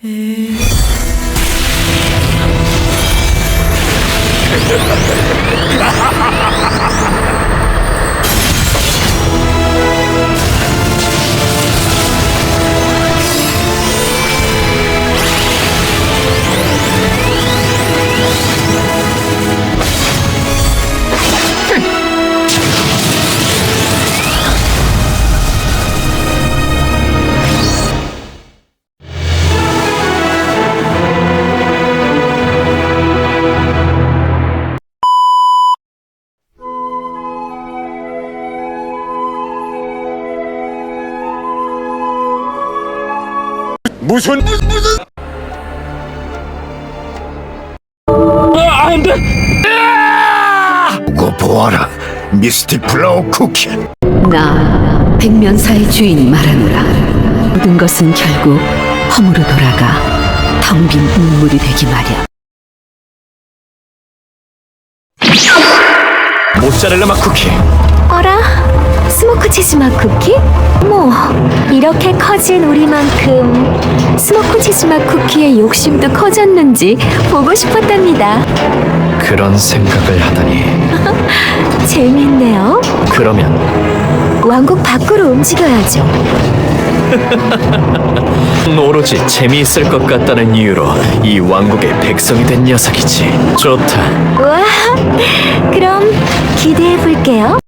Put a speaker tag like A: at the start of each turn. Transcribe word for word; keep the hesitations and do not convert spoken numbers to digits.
A: 무슨 무슨 아, 안 돼! 두고 보아라, 미스틱 플라워 쿠키.
B: 나 백면사의 주인이 말하노라. 모든 것은 결국 험으로 돌아가 텅 빈 눈물이 되기 마련.
A: 모짜렐라 맛 쿠키.
C: 어라? 스모크 치즈 맛 쿠키? 뭐 이렇게 커진 우리만큼 스모크 치즈 맛 쿠키의 욕심도 커졌는지 보고 싶었답니다.
D: 그런 생각을 하다니.
C: 재밌네요.
D: 그러면
C: 왕국 밖으로 움직여야죠.
D: 오로지 재미있을 것 같다는 이유로 이 왕국의 백성이 된 녀석이지. 좋다.
C: 와, 그럼 기대해 볼게요.